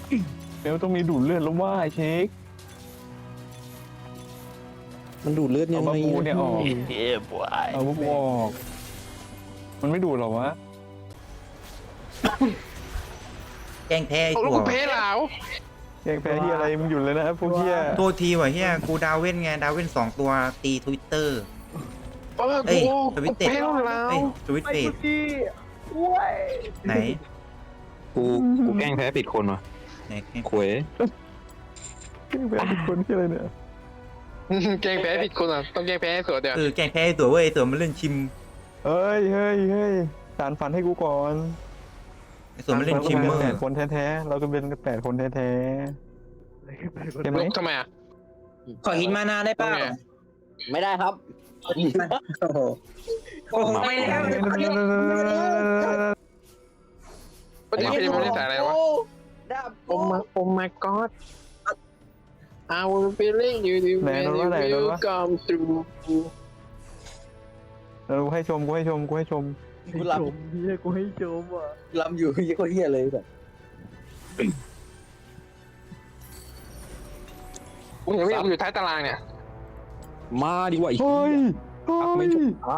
เดี๋ยวต้องมีดูดเลือดแล้วว่าเช็คมันดูดเลือดยังเอาไงบาบูเนี่ยออกเฮ้ยบวยเอาบาบูออกมันไม่ดูดหรอวะแกล้งแพ้ไอ้โอ้ตัลูวกเพลเหลาแกงแพ้ที่อะไรมึงหยุดเลยนะพวกเหี้ยโทษทีว่ะเฮียกูดาวเว้นไงดาวเว้น2 ตัวตีทวิตเตอร์เออเอ้ยกูทวิตเต็ดเพลเหลาเอ้ยทวิตเฟสไหนกูแกล้งแพ้ผิดคนวะไหนขวยแกงแพ้ทุกคนที่อะไรเนี่ยแกงแพ้ผิดคนอ่ะต้องแกงแพ้ให้สวยเดี๋ยวแกล้งแพ้ไอ้ตัวเว้ยไอ้ตัวมันเล่นชิมเฮ้ยสารฝันให้กูก่อนไอ้ตัวมันเล่นชิมเมอแปดร์คนแท้ๆเราก็เป็น8 คนแท้ๆใช่ไหมลูกทำไมอ่ะขอหินมานาได้เปล่าทำไงไม่ได้ครับโอ้โหโอ้โหไม่ได้ก็เดี๋ยวเพลไม่ได้ใส่อะไรวะดับโอ้ my god I will feeling you when you will come through กูให้ชมกูลำลำอยู่ยี่ก็เฮียเลยแบบกูเห็นว่ากูอยู่ท้ายตารางเนี่ยมาดีกว่าอีกเฮ้ยไม่จบอ้าว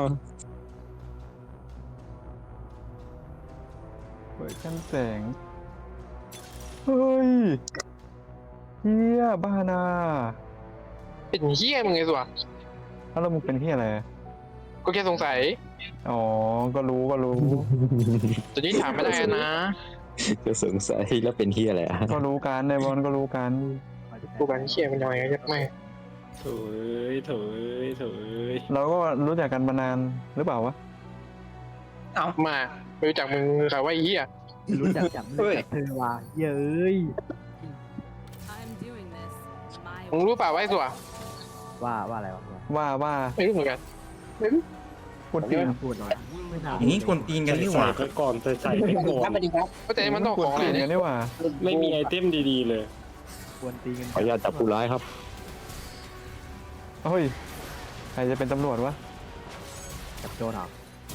เปิดชั้นแสงเฮ้ยเฮียบ้านาเป็นเฮี้ยมึงไงสัวแล้วมึงเป็นเฮียอะไรก็แค่สงสัยอ๋อก็รู้ตอนนี้ถามไม่ได้นะก็สงสัยแล้วเป็นเฮียอะไรอ่ะก็รู้กันในบอลก็รู้กันกูกันเฮี้ยมันยังไงยักไม่โถยเราก็รู้จักกันมานานหรือเปล่าวะมาไม่รู้จักมึงใครว่าไอ้เฮี้ยรู้จักจับเธอว่าเย้ย I'm doing this my มึงรู้เปล่าว่าไอ้สัวว่าอะไรวะว่าไม่รู้เหมือนกันพูดจริงพูดหน่อยไม่ถามอย่างนี้คนตีนกันนี่หว่าใส่ไปก่อนใส่ไปก่อนครับสวัสดีครับก็แต่มันต้องพูขดองอะจไรริงเนี่ยกันนี่หว่าไม่มีไอเทมดีๆเลยควรตีกันขออนุญาตจับผู้ร้ายครับเฮ้ยใครจะเป็นตำรวจวะจับโจรเหรอ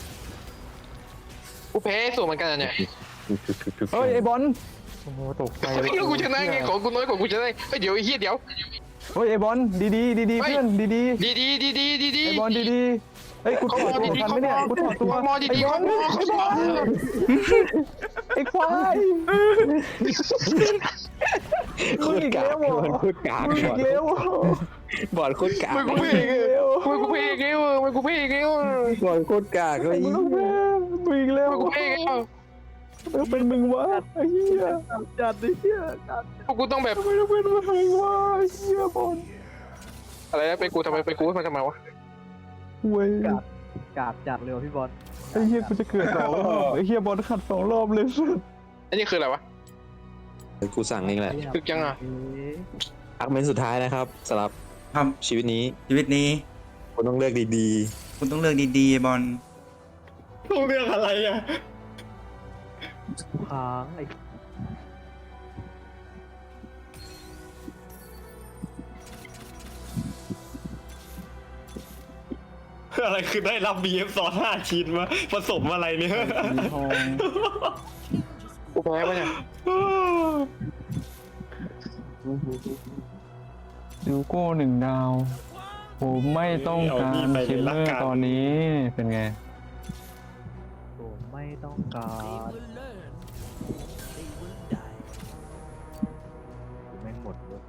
กูแพ้สูงเหมือนกันเนี่ยเฮ้ยไอ้บอลโอ้โหตกใจเฮ้ยกูชนะไงของกูน้อยกว่ากูชนะเฮ้ยเดี๋ยวไอ้เฮี้ยเดี๋ยวเฮ้ยไอ้บอลดีๆเพื่อนดีดีไอ้บอลดีเฮ้ยกูถอดตัวทันไหมเนี่ยกูถอดตัวมอดีๆไอ้บอลไอ้ควายโคตรกากบอลโคตรกากมึงอีกแล้วบอลโคตรกากมึงกูเพลงมึงกูเพลงเงี้ยมึงกูเพลงเงี้ยบอลโคตรกากเลยมึงอีกแล้วมึงกูเพลงเงี้ยเป็นมึงวะไอ้เหี้ยจัดดิเฮียจัดพวกกูต้องแบบทำไมต้องเป็นมึงวะไอ้เหี้ยบอลอะไรนะเป็นกูทำไมเป็นกูมันทำไมวะเว้ยกาดจัดเลยพี่บอลไอ้เหี้ยกูจะเกิด2 รอบไอ้เหี้ยบอลขัด2 รอบเลยสุดอันนี้คืออะไรวะกูสั่งเองแหละถึกยังอ่ะอักเมนสุดท้ายนะครับสำหรับครับชีวิตนี้ชีวิตนี้คุณต้องเลือกดีคุณต้องเลือกดีๆไอ้บอลต้องเรื่องอะไรอ่ะค้างไอ้อะไรคือได้รับ BF ซอส5 ชิ้นมาผสมอะไรเนี่ยสีทองกูแพ้ปะเนี่ยดิวโก้1 ดาวผมไม่ต้องการคิลเลอร์ตอนนี้เป็นไงผมไม่ต้องการแม่งหมดเลย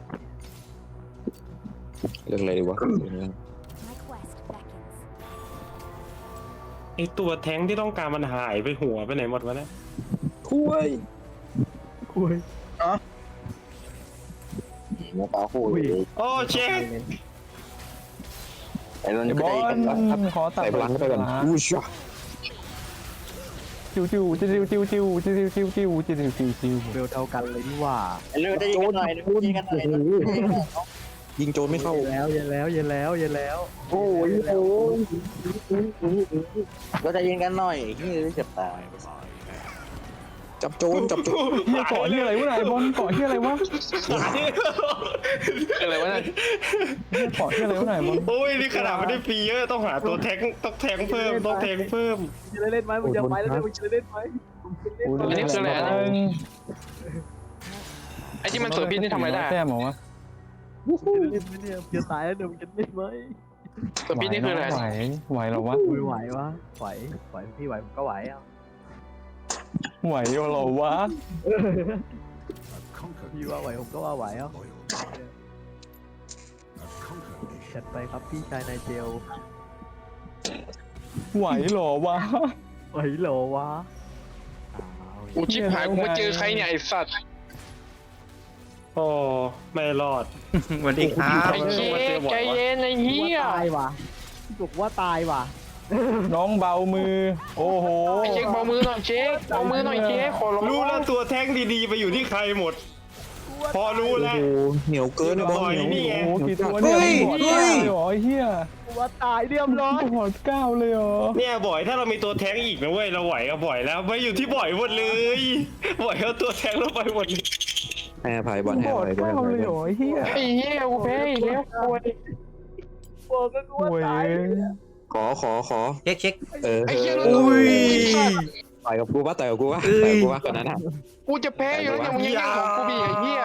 ๆเลือกอะไรดีวะ my quest beckons. ไอตัวแท้งที่ต้องการมันหายไปหัวไปไหนหมดวะเนี่ยคุยคุยหมอปลาโคุยโอ้เช็คไอ้นั่นไอ้ก็บอได้ลขอตัดใส่พลังเข้าไปก่อนอู้ชะจิวเบลเท่ากันเลยนี่หว่าเร็วได้ยิงกันหน่อยยิงกันหน่อยยิงโจรไม่เข้าเย็นแล้วโอ้ยโอ้ยเราจะยิงกันหน่อยที่เจ็บตายจับโจรเฮียเกาะที่อะไรวะไหนบอลเกาะที่อะไรวะอะไรวะเนี่ยเฮียเกาะที่อะไรวะไหนบอลโอ้ยนี่ขนาดไม่ได้ฟรีเยอะต้องหาตัวแท้งต้องแทงเพิ่มต้องแทงเพิ่มจะเล่นไหมมึงจะไปแล้วมึงจะเล่นไหมอันนี้คืออะไรนะไอ้ที่มันสวนพิษนี่ทำอะไรได้แต้มเหรอวะเล่นไหมเนี่ยจะตายแล้วเดี๋ยวมันจะเล่นไหมสวนพิษนี่คืออะไรไหวเหรอวะไหววะไหวพี่ไหวผมก็ไหวอ่ะไหวเหรอวะพี่ว่าไหวผมก็ว่าไหวอ่ะจัดไปครับพี่ชายนายเจลไหวเหรอวะไหวเหรอวะกูชิบหายกูมาเจอใครเนี่ยไอ้สัตว์โอ้ไม่รอดสวัสดีครับไอ้เจ๊ใจเย็นไอ้เหี้ยตายว่ะบอกว่าตายว่ะน้องเบามือ โอ้โหไอ้เจ๊เบามือหน่อยเจ๊เบามือหน่อยเจ๊ขอร้องรู้แล้วตัวแท้งดีๆไปอยู่ที่ใครหมด พอรู้โอ้แล้วโหเหนียวเกินไอ้บอลเหนียวนี่ไงโอ้โหกี่ตัวเนี่ยหอดเก้าเลยเหรอไอ้เหี้ยว่าตายเรียบร้อยหอดเก้าเลยเหรอเนี่ยบ่อยถ้าเรามีตัวแท้งอีกนะเว้ยเราไหวกับบ่อยแล้วไม่อยู่ที่บ่อยหมดเลยบ่อยเอาตัวแท้งลงไปหมดเลยให้อภัยบอลให้หออดภัยบอลเก้าให้อภัยเลยเหรอไอ้เหี้ยไอ้เหี้ยกูแพ้อีกแล้วกูบอกก็ว่าโอ้ยตายขอเช็คไอ้เหี้ยอุ้ยต่อยกับกูปะต่อยกับกูปะเอ้ยต่อยกับกูปะคนนั้นอ่ะกูจะแพ้อยู่แล้วเนี่ยมึงยังแย่งของกูบีไอ้เหี้ย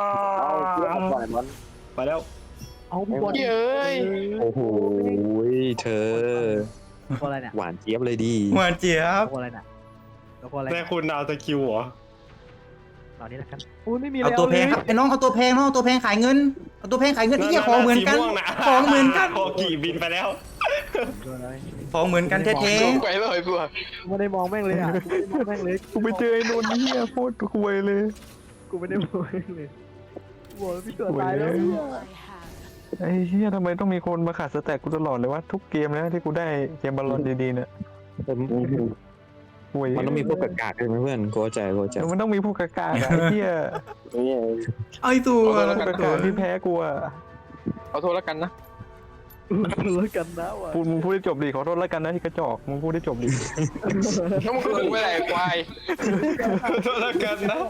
ไปแล้วเอาพี่บอลเหี้ยเอ้ยโอ้โหเธอตัวอะไรเนี่ยหวานเจี๊ยบเลยดีหวานเจี๊ยบตัวอะไรเนี่ยตัวอะไรแต่คุณดาวตะคิวเหรอตอนนี้นะครับอุ้ยไม่มีเอาตัวแพงครับไอ้น้องเอาตัวแพงน้องเอาตัวแพงขายเงินเอาตัวแพงขายเงินที่เหี้ยของเหมือนกันสีวงะของเหมือนกันโอกี่บินไปแล้วของเหมือนกันแท้สูงไปเลยพวกไม่ได้มองแม่งเลยอ่ะกูไม่ได้มองแม่งเลยกูไปเจอไอ้นนท์เหี้ยโคตรคุยเลยกูไม่ได้มองแม่งเลยกูบอกพี่เกิดตายแล้วเนี่ย I have. ไอ้เหี้ยทำไมต้องมีคนมาขัดสแต็กกูตลอดเลยวะทุกเกมนะที่กูได้เกมบอลลอนดีๆเนี่ยห่วยมันต้องมีพวกกากๆใช่ไหมเพื่อนกูเข้าใจมันต้องมีพวกกากาอะไอ้เหี้ยๆไอ้ตัวพวกกากาที่แพ้กูอะขอโทษแล้วกันนะแล้วกันนะว่ะมึงพูดได้จบดิขอโทษแล้วกันนะที่กระจอกมึงพูดได้จบดิแล้วมึงรู้ไปไหนควายโทษแล้วกันนะ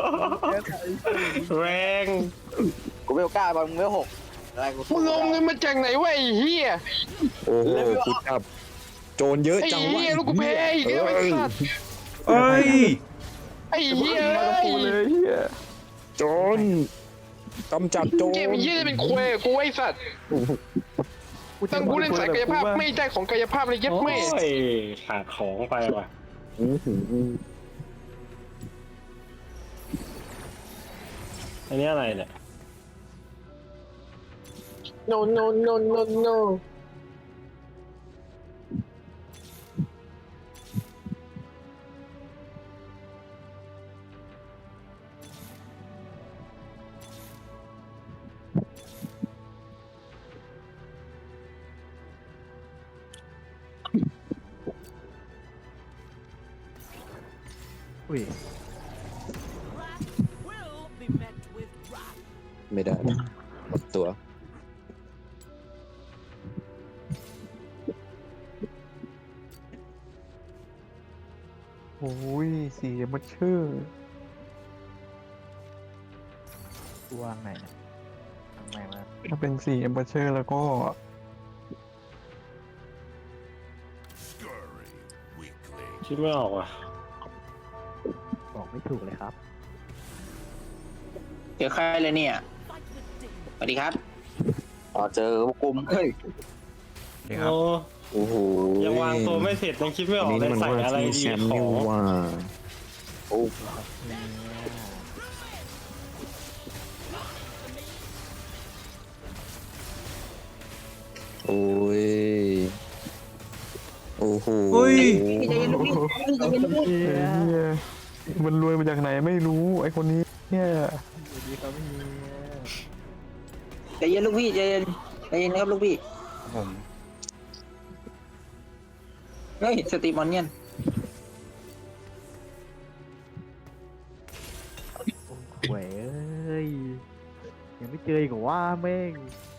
แรงกูไม่กล้าบอลมึงไม่หกอะไรกูมึงเอาเงินมาจากไหนวะไอ้เหี้ยโอ้โหกูจับโจรเยอะไอ้จังวะเหี้ยลูกกูแพ้อีกแล้วไอ้สัตว์เอ้ยไอ้เหี้ยมาเอ้กูเลยยเหี้ยโจรกำจัดโจรเกมไอ้เหี้ยจะเป็นควายกูไอ้สัตว์ตั้งกูเล่นสายกายภาพไม่ได้ของกายภาพเลยยัดโอ้แม่ยขาดของไปว่ะอื้อหืออันนี้อะไรเนี่ย no no no no no อุ้ยไม่ได้หมดตัวโอ้ยสีมันชื่อวางไหนนะทางไหนมาถ้าเป็นสีเอมเบอร์เชอร์แล้วก็คิดไม่ออกว่ะบอกไม่ถูกเลยครับเจอใครเลยเนี่ยสวัสดีครับอ๋อเจอพวกกุมเฮ้ยเดี๋ยวครับโอ้โอ้โหยังวางตัวไม่เสร็จยังคิดไม่ออกนี่เลยมันใส่ว่าอะไรที่ดีแชมป์ขอนี่งว่าโอ้ โอ้ยโอ้โหอุ้ยใจเย็นลูกพี่ใจเย็นลูกพี่ไอ้เหี้ยมันรวยมาจากไหนไม่รู้ไอ้คนนี้เนี่ยสวัสดีครับพี่ใจเย็นลูกพี่ใจเย็นนะครับลูกพี่ผมเฮ้ยสตีมอนเนียนโว้ยเอ้ยยังไม่เจออีกเหรอว่าแม่ง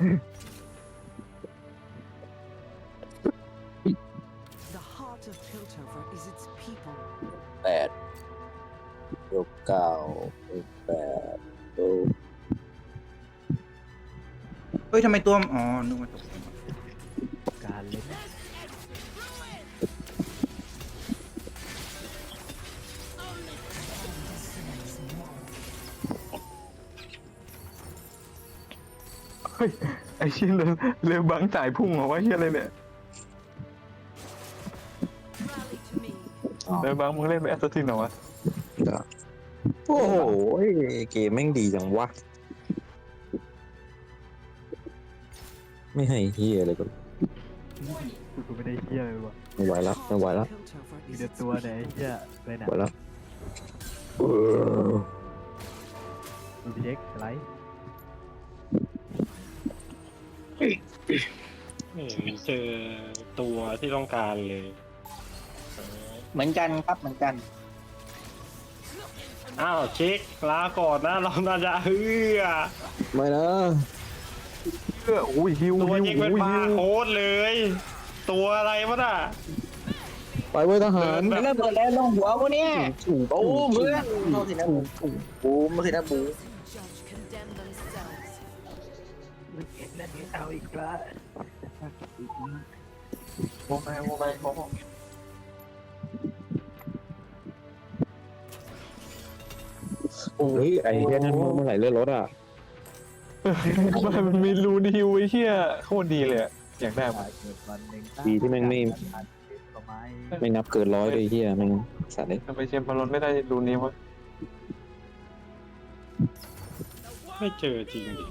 The heart of Piltover is its people. 8 ยก 9 8 เฮ้ยทำไมตัวอ๋อนึกว่าตกการเล่นเฮ้ยไอ้เชี่ยเลยบังสายพุ่งเหรอวะเชี่ยอะไรเนี่ย Rally to me. เลยบังมึงเล่นเป็นแอสซัสซินเหรอวะโอ้โหเกมแม่งดีจังวะไม่ให้เฮียเลยก็กูไม่ได้เหี้ยเลยวะไม่ไหวแล้วไม่ไหวแล้ว Filter for มี is แต่ its ตัวไหนเหี้ยเลยไม่นะไหวแล้วดูพี่เด็กอะไรไม่เห็นเจอตัวที่ต้องการเลยเหมือนกันครับเหมือนกันอ้าวเช็คลาก่อนนะเราน่าจะเฮือไม่นะโอ้ยฮิวตัวฮิวเช็คเป็นโอ้ยบาฮิวร์โค้ดเลย ตัวอะไรวะน่ะไปเว้ยทหารเริ่มเปิดแล้วลงหัวกูเนี่ยโอ้เพื่อนเอาสินะบูมมาสินะบูม Those who judge condemn themselves. นั่นเอาอีกแล้วโมไปโมไปโมเฮ้ยไอ้เฮียนั่นเมื่อไหร่เลื่อนรถอ่ะมันมีรูนฮิวไอ้เชี่ยโคตรดีเลยอะอยากได้มาเกิดวันหนึ่งดีที่แม่งไม่ก็ไม่ไม่นับเกิน100เลยเฮียแม่งสัตว์เลยทำไมเชมพารอนไม่ได้รูนนี้วะไม่เจอจริงดิ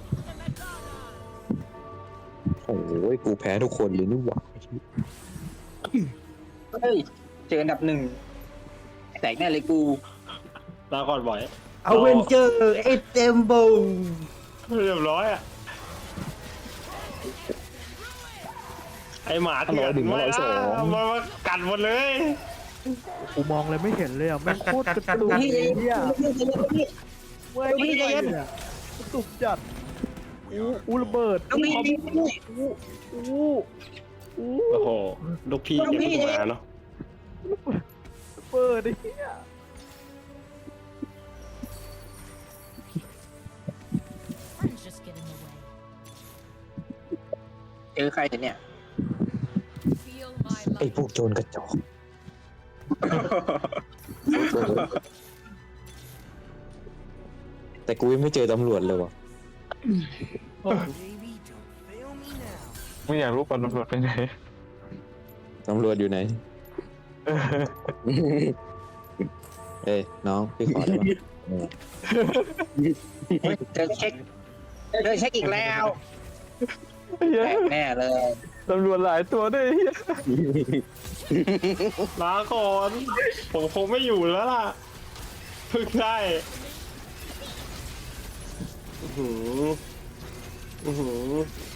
โอ้ยกูแพ้ทุกคนเลยนี่หว่าเฮ้ยเจออันดับ1แตกแน่เลยกูลาก่อนบ่อยเอาเวนเจอร์เอเจมโบเรียบร้อยอ่ะไอหมาเถื่อนมากัดหมดเลยกูมองเลยไม่เห็นเลยอ่ะแม่งโคตรกระตุกพี่เหี้ยเว้ยพี่ใจเย็นกระตุกจัดอู้ระเบิดลูกพี่อู้โอ้โหลูกพี่ยังไม่มาเนาะระเบิดไอ้เหี้ย Friends just get in the way. เจอใครเนี่ย Feel my ไอ้ light. พวกโจรกระจอกแต่กูยังไม่เจอตำรวจเลยว่ะไม่อยากรู้ปอนตำรวจไปไหนตำรวจอยู่ไหน เอ้ยน้องพี่ขอได้ปะเจอเช็คอีกแล้วเหี้ยแตกแน่เลยตำรวจหลายตัวด้วยเหี้ยลาก่อนผมคงไม่อยู่แล้วล่ะเพิ่งได้อื้อหือ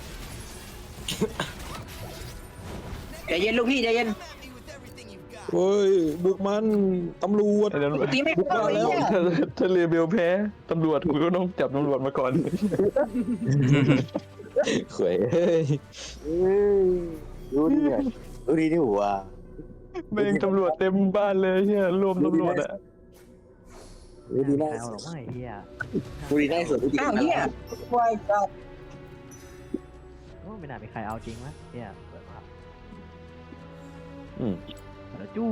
ใจเย็นลูกพี่ใจเย็นเฮ้ยบุกมันตำรวจไอ้ตำรวจตีไม่เข้าเลยเนี่ยถ้าเรเบลแพ้ตำรวจกูก็ต้องจับตำรวจมาก่อนเขยเฮ้ยรู้ดีเนี่ยรู้ดีนี่หัวแม่งตำรวจเต็มบ้านเลยเฮียรวมตำรวจอะรู้ดีไม่น่าเอาหรอกไม่เหี้ยรู้ดีน่าสุดรู้ดีอ้าวเนี่ยควายเจ้าไม่น่ามีใครเอาจริงมั้ยเหี้ยเปิดมาอืมแล้วจู้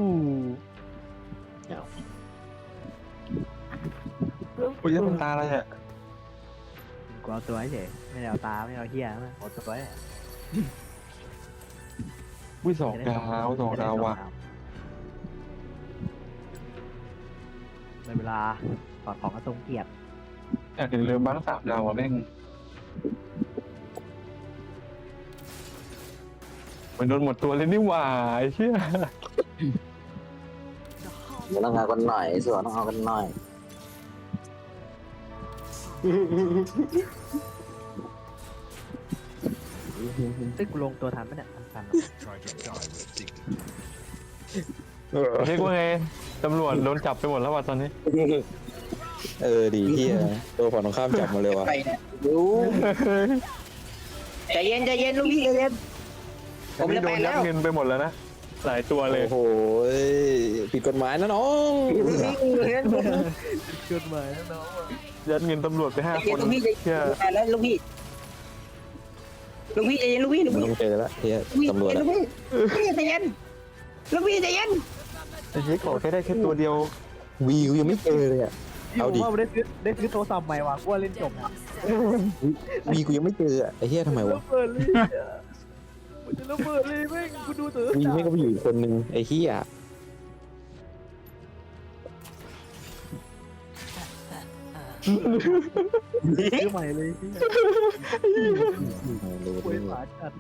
กูจะทำตาอะไรอะกูเอาตัวเฉยไม่ได้เอาตาไม่เอาเหี้ยนะเอาตัวไว้วิสองดาวสองดาวว่ะในเวลาถอดของกระทรงเกียรติอยากเห็นเรือบ้าง3 ดาวอ่ะแม่งมันโดนหมดตัวเลยนี่หว่าไอ้เชี่ยเดี๋ยวต้องเอากันหน่อยส่วนต้องเอากันหน่อยซึ่งกูลงตัวทันปะเนี่ยทันเรียกว่าไงตำรวจโดนจับไปหมดแล้วว่ะตอนนี้ดีที่ตัวฝั่งตรงข้ามจับมาเลยว่ะใครเนี่ยรู้ใจเย็นลูกพี่ใจเย็นผมนี่จะโดไปนยัแล้ดวเงินไปหมดแล้วนะหลายตัวเลยโอ้โหผิดกฎหมายนะน้องเกินมาแล้วน้องยัดเงินตำรวจไปใจ 5 คเย็นนลูกพี่ใจเชี่ยไปแล้วลูกพี่ใจเย็นลูกพี่มันต้องเจอแล้วเฮียตำรวจลูกพี่ใจเย็นลูกพี่ใจเย็นไอ้เชี่ยขอแค่ได้แค่ตัวเดียววีกูยังไม่เจอเลยอ่ะพี่ผมว่าได้ซื้อโทรศัพท์ใหม่ว่ะกูว่าเล่นจบนะวีกูยังไม่เจอไอ้เหี้ยทำไมวะระเบิดเลยมันจะระเบิดเลยแม่งกูดูเถอะวีไม่ก็ไปอยู่อีกคนนึงไอ้เหี้ยซื้อใหม่เลยพี่ป่วยหมาจัด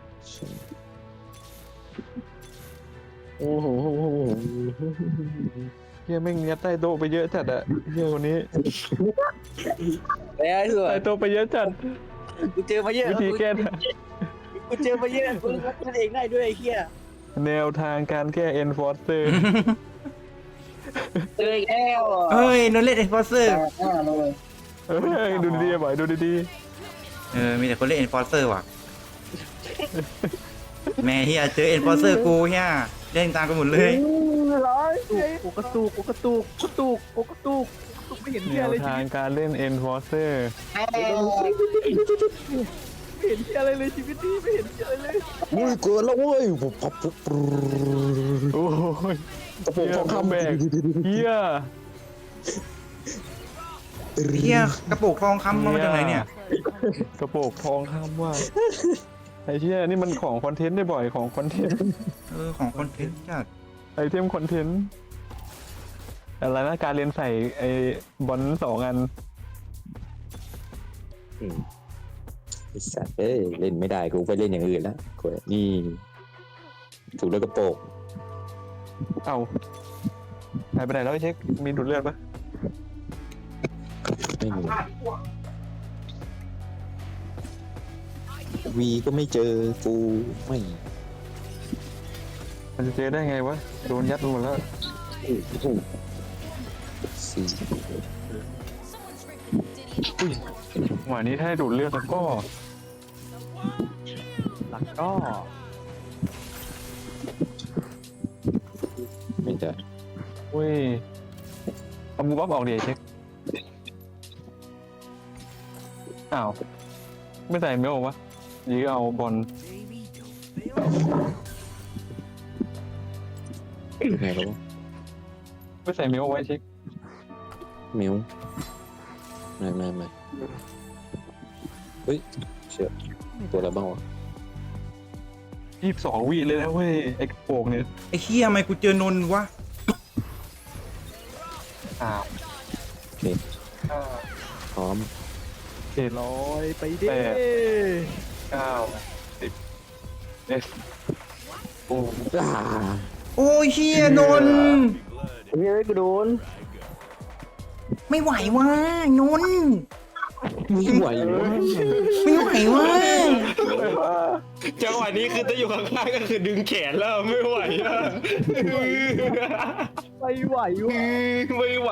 โอ้โหเฮียแม่งยัดใต้โต๊ะไปเยอะจัดอะเฮียคนนี้แล้วส่วนใต้โต๊ะไปเยอะจัดกูเจอมาเยอะวิธีแก้กูเจอมาเยอะกูรับมันเองได้ด้วยไอ้เหี้ยแนวทางการแก้ enforcer เจออีกแล้วเฮ้ยโดนเล่นเอ็นฟอร์เซอร์เฮ้ยดูดีๆบ่อยดูดีมีแต่คนเล่นเอ็นฟอร์เซอร์ว่ะแม่เฮียเจอเอ็นฟอร์เซอร์กูเฮียเล่นตามกันหมดเลยกูกระตุกไม่เห็นๆแนเหี้ยว อะไรทางการเล่น enforcer ไม่เห็นเหี้ยอะไรเลยชีวิตนี้ไม่เห็นเหี้ยอะไรเลยอุ้ยเกินแล้วเว้ยปุ๊บปั๊บปุ๊บปุ๊บโอ้ยกระโปรงทองคำแบกเฮียเฮียกระปุกทองคำมาจากไหนเนี่ยกระโปรงทองคำว่าไอ้เชี่ยนี่มันของคอนเทนต์ได้บ่อยของคอนเทนต์ของคอนเทนต์จัดไอเทมคอนเทนต์อะไรนะการเรียนใส่ไอบอล2 อันไอ้สัตว์เอ้ยเล่นไม่ได้กูไปเล่นอย่างอื่นแล้วกูนี่ถูกแล้วกระโปรงเอาหายไปไหนแล้วไอ้เช็คมีดูดเลือดปะไม่มีวีก็ไม่เจอกูไม่มันจะเจอได้ไงวะโดนยัดไปหมดแล้วสี่อุ้ยหวานนี้ถ้าให้ดูดเลือดแล้วก็หลักก็ไม่ได้อุ้ยเอามูบัฟออกดิไอ้เช็คอ้าวไม่ใส่เมลวะยื้อเอาบอลไงแล้ววะไม่ใส่เมลไว้เช็คมิวไม่เฮ้ยเชื่อตัวอะไรบ้างวะ 22 วิเลยนะเว้ยไอ้กระโปรงเนี่ยไอ้เฮียทำไมกูเจอนนท์วะอ้าวโอเคพร้อมลอยไปดิ 9 10 โอ้โอ้ยเฮียนนท์เฮ้ยกูโดนไม่ไหววะนนท์ไม่ไหววะไม่ไหววะจังหวะนี้คือถ้าอยู่ข้างๆก็คือดึงแขนแล้วไม่ไหวอะไม่ไหววะไม่ไหว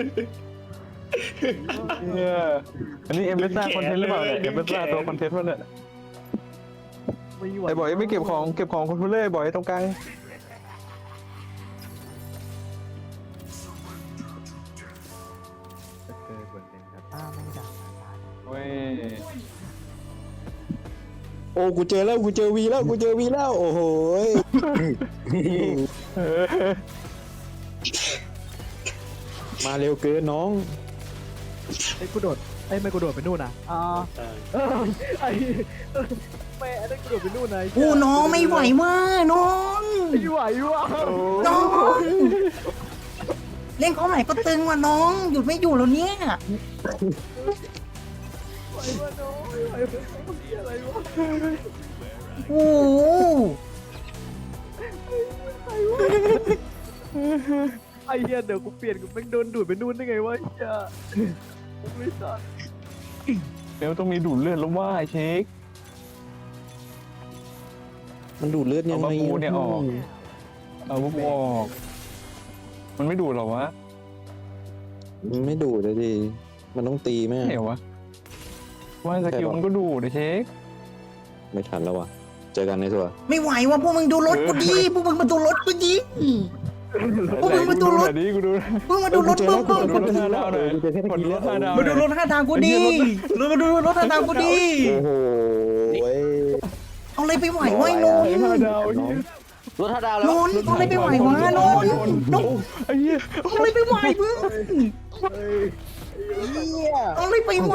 เนี่ยอันนี้เอ็มเบซ่าคอนเทนต์หรือเปล่าเนี่ยเอ็มเบซ่าตัวคอนเทนต์วะเนี่ยไม่ไหวไอ้บอยไม่เก็บของคนทุเล่บอยตรงกลางจะเกิดบนเป็นครับป้าไม่ดังเว้ยโอ้กูเจอแล้วกูเจอวีแล้วโอ้โหมาเร็วเกินน้องไอ้กูโดดไม่กูโดดไปนู่นนะไอ้แม่ไอ้กูโดดไปนู่นนะกูน้องไม่ไหววะน้องไม่ไหววะน้องเล่นเขาไหนก็ตึงว่ะน้องหยุดไม่อยู่แล้วเนี่ยไหววะน้องไม่ไหวอะไรวะโอ้โหไอ้เหี้ยเดี๋ยวกูเปลี่ยนกูแม่งโดนดูดไปนู่นได้ไงวะไอ้เหี้ยไม่สัตว์เดี๋ยวต้องมีดูดเลือดแล้วว่าไอ้เช็คมันดูดเลือดยังไงเอามาปูเนี่ยออก เอาพวกออกมันไม่ดูดหรอวะมันไม่ดูดเลยดิมันต้องตีแม่เหนียววะว่าสกิลมันก็ดูดไอ้เช็คไม่ทันแล้ววะเจอกันในตัวไม่ไหวว่ะพวกมึงดูรถกูดิพวกมึงมาดูรถกูดิ พวกมึงมาดูรถไหนกูดูพวกมึงมาดูรถพวกมึงดูรถ5 ดาวหน่อยกดรถ5 ดาวมาดูรถข้างทางกูดิมาดูรถข้างทางกูดิโอ้โหเอาอะไรไปไหวไว้น้อง 5 ดาวน้องรถท่าดาวแล้นวนท์ต้องเลยไปไหววะนนท์นนท์ไอ้เหี้ยต้องเลยไปไหวเพื่อนเนี่ยต้องเลยไปไหว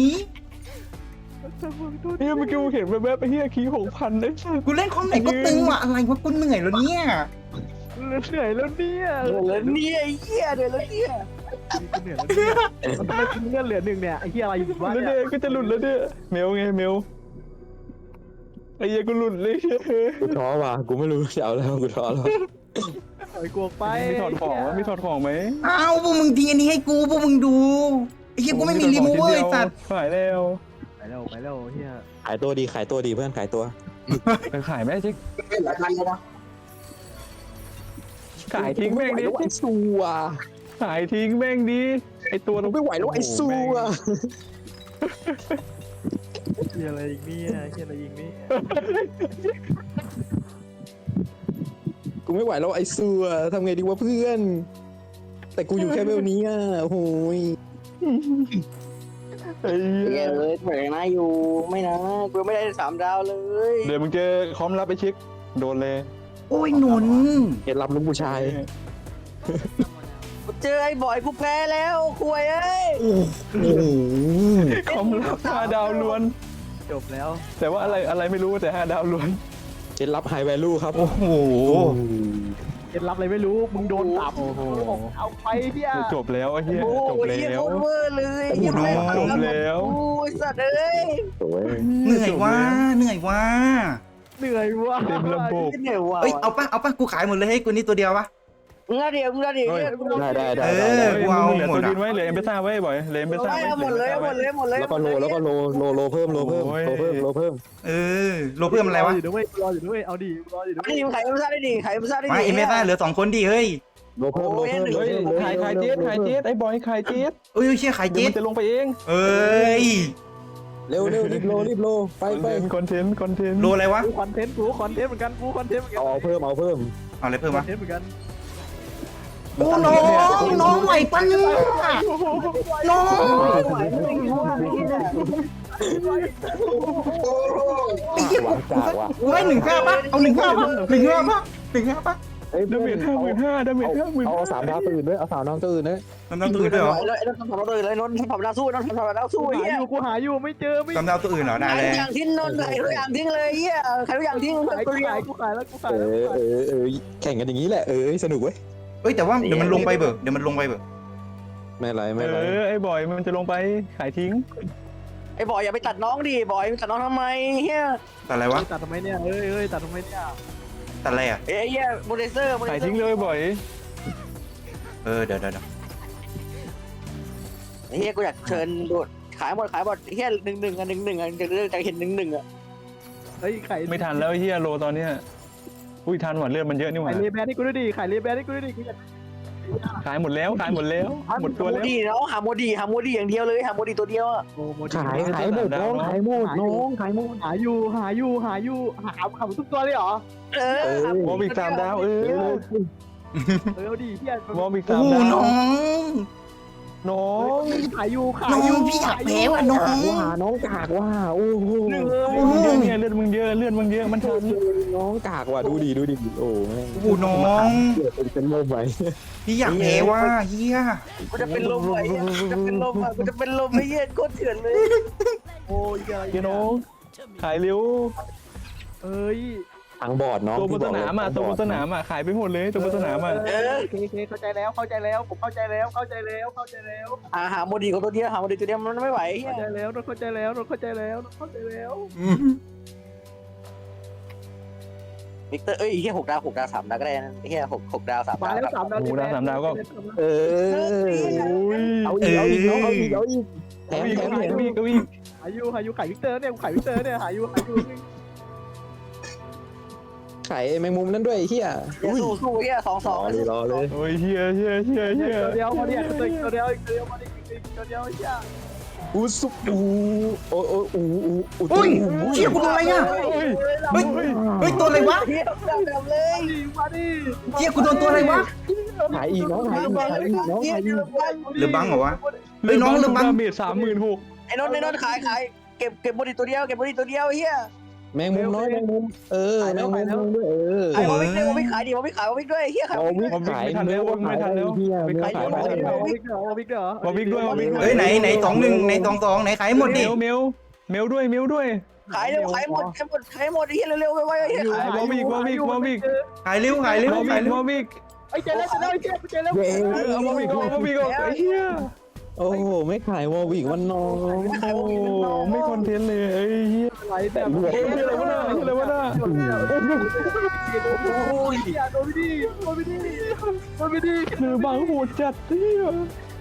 เหี้ยเมื่อกี้กูเห็นแวบๆไอ้เหี้ยคีย์6,000ได้สัสกูเล่นคอมไหนก็ตึงว่ะอะไรวะกูเหนื่อยแล้วเนี่ยเหนื่อยแล้วเนี่ยเดี๋ยวแล้วเนี่ยไอ้เหี้ยเดี๋ยวแล้วเนี่ยกูเหนื่อยแล้วเนี่ยทำไมกูเงื่อนเหลือ1เนี่ยไอ้เหี้ยอะไรอยู่วะแล้วเนี่เด็ยกก็จะหลุดแล้วเนี่ยเมลไงเมลไอ้เหี้ยกูหลุดเลยกูท้อว่ะกูไม่รู้จะเอาแล้วกูท้อแล้วปล่อยกวงไปมีถอดของไหมมีถอดของไหมอ้าวพวกมึงทิ้งอันนี้ให้กูพวกมึงดูไอ้เหี้ยกูไม่มีรีโมเวอร์ไอ้สัตว์ขายแล้วไปแล้วเหี้ยขายตัวดีขายตัวดีเพื่อนขายตัวไปขายไหมจิ๊กเป็นหลายพันเลยนะขายทิ้งแม่งดิไอ้ซัวขายทิ้งแม่งดิไอตัวไม่ไหวแล้วไอ้ซัวเหี้ยอะไรอีกเนี่ยเหี้ยอะไรอีกเนี่ยกูไม่ไหวแล้วไอ้ซัวทำไงดีวะเพื่อน แต่กูอยู่แค่เวลนี้อ่ะโอ้โหยไอ้เหี้เหี้ยยเลยเหมือนนะอยู่ไม่นะกูไม่ได้3 ดาวเลยเดี๋ยวมึงเจอคอมรับไปเช็คโดนเลยโอ้ยนนท์เห็นรับลูกผู้ชายกูเจอไอ้บอยกูแพ้แล้วคุยเอ้ยโอ้โหคอมรับ5 ดาวล้วนจบแล้วแต่ว่าอะไรไม่รู้แต่5 ดาวล้วนเห็นรับไฮแวลูครับโอ้โหเคล็ดลับอะไรไม่รู้มึงโดนตับเอาไปเหี้ยจบแล้วไอ้เหี้ยโอ้จบยแล้เหี้ยว โคตรเวอร์เลยโอ้โหจบแล้วโอ้ยสัตว์เอ้ยโอ้ยเหนื่อยว่ะเหนื่อยว่ะเหนื่อยว่ะเต็มระบบเหนื่อยว่ะเอ้ยเอาปะกูขายหมดเลยให้กูนี่ตัวเดียววะมึงละเดี๋ยวได้เออกูเอาเหลือหมตัดวอะดินไว้เหลือเอ็มเบซ่าไว้บ่อยเหลือเอ็มเบซ่าไว้เอาหมดเลยเอาหมดเลยหมดเลยแล้วก็โลเพิ่มโลเพิ่มโอ้ยโลเพิ่มโลเพิ่มเออโลเพิ่มอะไรวะรออยู่ด้วยรออยู่ด้วยเอาดิรออยู่ด้วยนี่มึงขายเอ็มซ่าได้ดิขายเอ็มซ่าได้ดิมาเอ็มเอสเหลือ2 คนดิเฮ้ยโลเพิ่มโลเพิ่มเฮ้ยขายเจี๊ดไอ้บอยขายเจี๊ดเอ้ยเชี่ยขายเดี๋ยวเจ็ดมันจะลงไปเองเอ้ยเร็วรีบโลไปไปคอนเทนต์โลอะไรวะกูคอนเทนต์เหมือนกันกูคอนเทนต์เหมือนกันเอาเพิ่มเอาอะไรเพิ่มคอวะนเทนต์เหมือนกันโอ้น้องไหวปะเนี่ยน้องไอ้เหี้ยหวังจากว่ะกูให้1,500ปะเอา1,500ปะ1,500ปะดาเมจ55,000ดาเมจเอา3 ดาวตื่นด้วยเอา3 ดาวตื่นด้วยตำดาวตัวอื่นด้วยเหรอไอ้นนท์ทำเราเลยเลยนนท์ทำเราสู้นนท์ทำเราสู้กูเฮีหาย อยู่กูหาอยู่ไม่เจอไม่ตำดาวตัวอื่นเหรอได้เลยอย่างทิ้งนนท์ขายทุกอย่างทิ้งเลยเฮียขายทุกอย่างทิ้งขายกูขายแล้วกูขายแล้วแข่งกันอย่างนี้แหละสนุกเว้ยเอ้ยแต่ว่าเดี๋ยวมันลงไปเบิกเดี๋ยวมันลงไปเบิกไม่ไรไม่ไรไอ้บอยมันจะลงไปขายทิ้งไอ้บอยอย่าไปตัดน้องดิบอยตัดน้องทำไมเฮียตัดอะไรวะตัดทำไมเนี่ยเอ้ยตัดทำไมเนี่ยตัดอะไรอ่ะเอ้ยเฮียโมเดเซอร์ขายทิ้งเลยบ่อยเดี๋ยวเฮียกูอยากเชิญโดดขายหมดเฮีย1-1อ่ะจะเห็น1-1อ่ะเฮ้ยไข่ไม่ทันแล้วเฮียโลตอนเนี้ยอุ้ยทันหว่ะเลือดมันเยอะนี่หว่าไข่เลแบนให้กูด้วยดิไข่เลแบนให้กูด้วยดิกูอยากขายหมดแล้วหมดตัวแล้วดีแล้วหาโมดีอย่างเดียวเลยหาโมดีตัวเดียวอ่ะโอ้โมขายหมดน้องขายหมดขายหมดหาอยู่หาทุกตัวเลยเหรอวอลบิก3 ดาวเอาดิพี่วอลบิกโอ้โห 3 ดาวน้องขายอยู่น้องพี่อยากแพ้ว่ะน้องน้องกากว่าโอ้โหเลือดมึงเยอะมันทันน้องกากว่ะดูดิโอ้แม่งโอ้โหน้องเป็นลมไปพี่อยากแพ้ว่ะเฮียกูจะเป็นลมไอ้กูจะเป็นลมไอ้เฮียโคตรเถื่อนเลยโอ้ยอะไรเฮียน้องขายเร็วเอ้ยทางบอดน้องตัวบนสนามขายไปหมดเลยตัวบนสนามโอเคเข้าใจแล้วผมเข้าใจแล้วหาโมดีของตัวเดียวหาโมดีตัวเดียวมันไม่ไหวเฮียเข้าใจแล้ววิกเตอร์เฮีย6 ดาว3 ดาวก็ได้นะเฮีย6 ดาว3 ดาวมาแล้ว3 ดาวก็เอาอีกน้องเอาอีกแถมหาอยู่ไข่วิกเตอร์เนี่ยหาอยู่ไข่แมงมุมนั่นด้วยเฮียสู้เฮีย2-2 รอเลยโอ้ยเฮียตัวเดียวมาดิตัวเดียวเฮียอูซุปูโอ้อุ้ยเชี่ยกูโดนอะไรอ่ะเฮ้ยตัวอะไรวะเฮียแบบเลยมาดิเชี่ยกูโดนตัวอะไรวะขายอีกน้องขายอีกหรือบังเหรอวะเฮ้ยน้องหรือบังดาเมจ36,000 ไอ้นนท์ขายเก็บโมดีตัวเดียวเฮียแมงมุมน้อยแมงมุมแมงมุมด้วยไอ้วอวิกด้วยวอวิกขายดิวอวิกขายวอวิกด้วยเฮียขายวอวิกด้วยขายเนื้อขายเนื้อเฮียเนื้อขายวอวิกเหรอวอวิกเหรอวอวิกด้วยวอวิกด้วยเฮ้ยไหน21ไหน22ไหนขายหมดดิเมลด้วยขายเร็วขายหมดขายหมดไอ้เฮียเร็วๆไวๆเฮียขายวอวิกขายเร็ววอวิกไอ้เจแล้วเจแล้วเอาวอวิกไอ้เหี้ยโอ้โหไม่ขายวอวิกวันน้องไม่คอนเทนต์เลยไอ้เหี้ยไหลแบบอะไรวะน่ะอะไรวะน่ะโอ้ยโดนไม่ดีเนื้อบางโหดจัดเหี้ย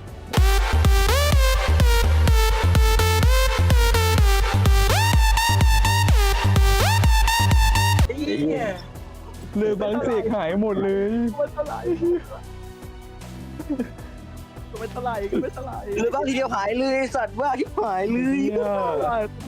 เรือบางเสกหายหมดเลยมันสลายก็ไม่สลายหรือบางทีเดียวหายเลยสัตว์ว่าที่หายเลยเหี้ย